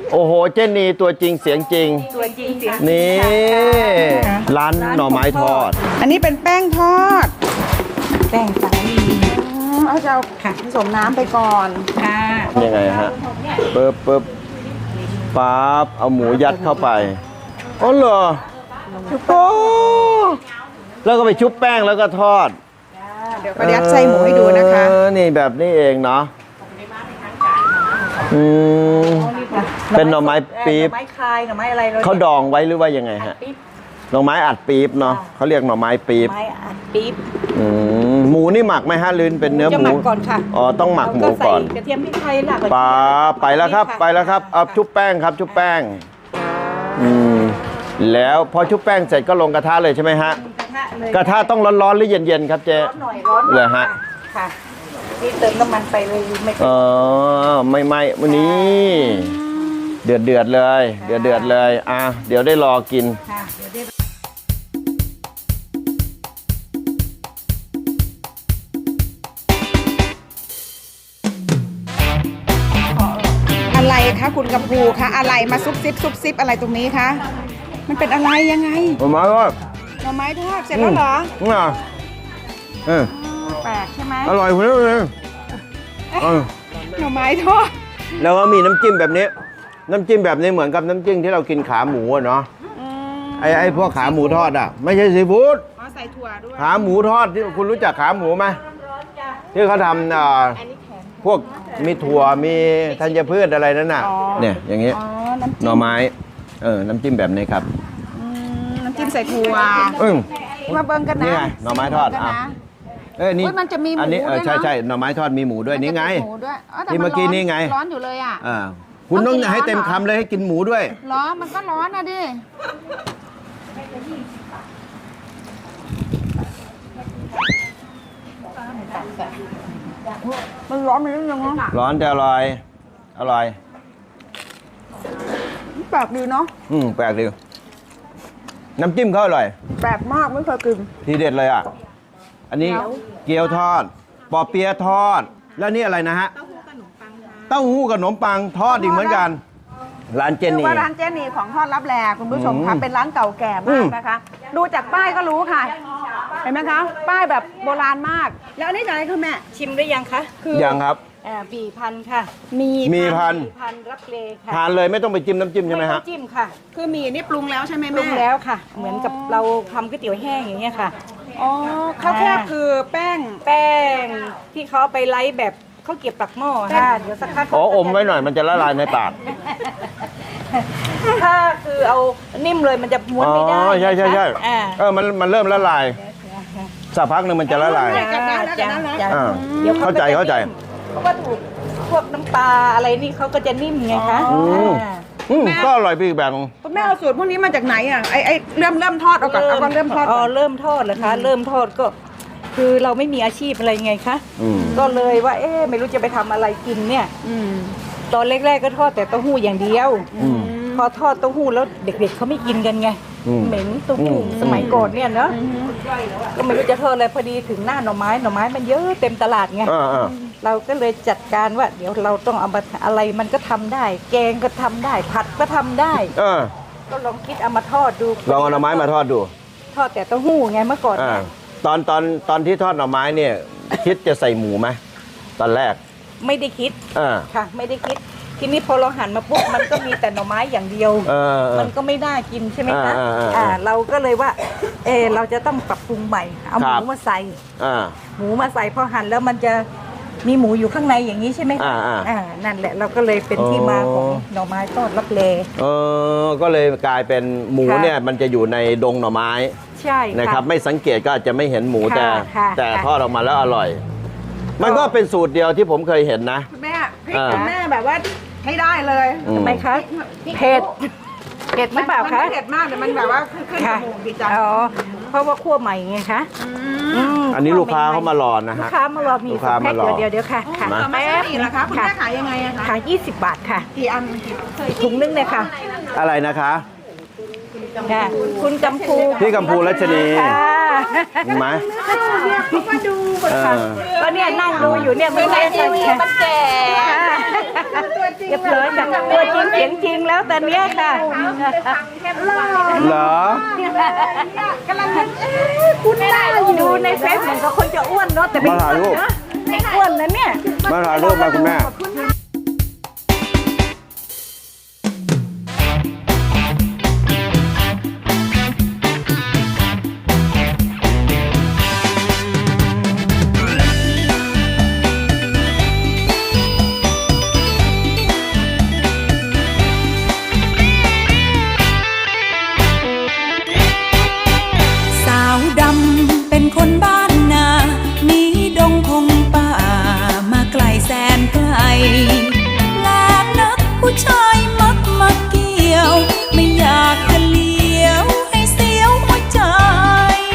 โอ้โหเจนีตัวจริงเสียงจริงตัวจริงเสียงนี่ร้านหน่อไม้ทอดอันนี้เป็นแป้งทอดแป้งสาลีเอาจะเอาผสมน้ำไปก่อนค่ะยังไงฮะปึ๊บปั๊บเอาหมูยัดเข้าไปอ๋อเหรอโอ้แล้วก็ไปชุบแป้งแล้วก็ทอดเดี๋ยวก็ยัดไส้หมูให้ดูนะคะนี่แบบนี้เองเนาะเป็นหน่อไม้ปี๊บหน่อไม้คายหน่อไม้อะไรเขาดองไว้หรือว่ายังไงฮะหน่อไม้อัดปี๊บเนาะเขาเรียกหน่อไม้ปี๊บไม้อัดปี๊บหมูนี่หมักไหมฮะลืนเป็นเนื้อหมูจะหมักก่อนค่ะอ๋อต้องหมักหมูก่อนกระเทียมพริกไทยหลักไปแล้วครับเอาชุบแป้งครับชุบแป้งแล้วพอชุบแป้งเสร็จก็ลงกระทะเลยใช่ไหมฮะกระทะต้องร้อนๆหรือเย็นๆครับเจ๊ร้อนหน่อยร้อนเลยฮะค่ะนี่เติมน้ำมันไปเลยไม่วันนี้เดือดเลยเดือดเลยเดี๋ยวได้รอกินอะไรคะคุณกัมพูคะอะไรมาซุบซิบอะไรตรงนี้คะมันเป็นอะไรยังไงหน่อไม้ทอดหน่อไม้ทอดเสร็จแล้วเหรอแปลกใช่ไหมอร่อยคุณเลยหน่อไม้ทอดแล้วก็มีน้ำจิ้มแบบนี้น้ำจิ้มแบบนี้เหมือนกับน้ำจิ้มที่เรากินขาหมูเนาะไอ้พวกขาหมูทอดไม่ใช่ซีฟู้ดใส่ถั่วด้วยขาหมูทอดที่คุณรู้จักขาหมูไหมที่เขาทำพวกมีถั่วมีธัญพืชอะไรนั่นน่ะเนี่ยอย่างงี้หน่อไม้น้ำจิ้มแบบนี้ครับน้ำจิ้มใส่ถั่วมาเบิ่งกันนะนี่ไงหน่อไม้ทอดนี่มันจะมีหมูอันนี้ใช่หน่อไม้ทอดมีหมูด้วยนี่ไงที่เมื่อกี้นี่ไงร้อนอยู่เลยคุณต้องให้เต็มคำเลยให้กินหมูด้วยร้อนมันก็ร้อนนะดิมันร้อนมันนิดนึงนะร้อนแต่อร่อยแปลกดีเนาะแปลกดีน้ำจิ้มเขาอร่อยแปลกมากไม่เคยกินทีเด็ดเลยอันนี้เกี๊ยวทอดปอเปี๊ยะทอดแล้วนี่อะไรนะฮะเต้าหู้กับขนมปังทอดอีกเหมือนกันร้านเจนี่ว่าร้านเจนี่ของทอดรับแลคุณผู้ชมคะเป็นร้านเก่าแก่มากนะคะดูจากป้ายก็รู้ค่ะเห็นไหมคะป้ายแบบโบราณมากแล้วอันนี้อะไรคะแม่ชิมได้ยังคะยังครับปีพันค่ะมีพันรับเลค่ะทานเลยไม่ต้องไปจิ้มน้ำจิ้มใช่ไหมฮะไม่ต้องจิ้มค่ะคือมีนี่ปรุงแล้วใช่ไหมแม่ปรุงแล้วค่ะเหมือนกับเราทำก๋วยเตี๋ยวแห้งอย่างเงี้ยค่ะข้าวแคบคือแป้งที่เขาไปไล่แบบเขาเก็บปักหม้อค่ะเดี๋ยวสักพักอมไว้หน่อยมันจะละลายในปากถ้าคือเอานิ่มเลยมันจะม้วนไม่ได้ใช่มันเริ่มละลายสักพักหนึ่งมันจะละลายเข้าใจเพราะว่าถูกพวกน้ำปลาอะไรนี่เขาก็จะนิ่มไงคะก็อร่อยไปอีกแบบคุณแม่เอาสูตรพวกนี้มาจากไหนไอ้เริ่มทอดเอาก่อนเริ่มทอดเริ่มทอดเหรอคะเริ่มทอดก็คือเราไม่มีอาชีพอะไรไงคะก็เลยว่าไม่รู้จะไปทำอะไรกินเนี่ยตอนแรกๆก็ทอดแต่เต้าหู้อย่างเดียวพอทอดเต้าหู้แล้วเด็กๆเขาไม่กินกันไงเหม็นเต้าหู้สมัยก่อนเนี่ยเนาะก็ไม่รู้จะทอดอะไรพอดีถึงหน้าหน่อไม้มันเยอะเต็มตลาดไงเราก็เลยจัดการว่าเดี๋ยวเราต้องเอามาอะไรมันก็ทำได้แกงก็ทำได้ผัดก็ทำได้ก็ลองคิดเอามาทอดดูลองเอาหน่อไม้มาทอดดูทอดแต่เต้าหู้ไงเมื่อก่อนตอนที่ทอดหน่อไม้เนี่ยคิดจะใส่หมูไหมตอนแรกไม่ได้คิดค่ะไม่ได้คิดทีนี้พอเราหั่นมาปุ๊บมันก็มีแต่หน่อไม้อย่างเดียวมันก็ไม่น่ากินใช่ไหมคะเราก็เลยว่าเราจะต้องปรับปรุงใหม่เอาหมูมาใส่พอหั่นแล้วมันจะมีหมูอยู่ข้างในอย่างนี้ใช่ไหมคะนั่นแหละเราก็เลยเป็นที่มาของหน่อไม้ทอดลับเลก็เลยกลายเป็นหมูเนี่ยมันจะอยู่ในดงหน่อไม้ใช่นะครับไม่สังเกตก็อาจจะไม่เห็นหมูแต่ทอดออกมาแล้วอร่อยมันก็เป็นสูตรเดียวที่ผมเคยเห็นนะแม่พริกของแม่แบบว่าให้ได้เลยทำไมคะเผ็ดหรือเปล่าคะเผ็ดมากแต่มันแบบว่าขึ้นจมูกดีจังเพราะว่าคั่วใหม่ไงคะอันนี้ลูกค้าเขามารอนะฮะลูกค้ามารอมีแพ็คเดี๋ยวค่ะแม่อีกนะคะคุณแม่ขายยังไงคะขาย20 บาทค่ะกี่อันถุงนึงเลยค่ะอะไรนะคะคุณกัมพูพี่กัมพูรัชนีเห็นไหมเขามาดูก็เนี่ยนั่งดูอยู่เนี่ยไม่ได้ทีวีมันแก่เรียบร้อยจากตัวจริงเสียงจริงแล้วตอนเนี้ยค่ะเหรอกำลังคุณได้ดูในเฟซเหมือนกับคนจะอ้วนเนาะแต่ไม่อ้วนนะไม่อ้วนนะเนี่ยมาถ่ายรูปมาคุณแม่ขอบคุณ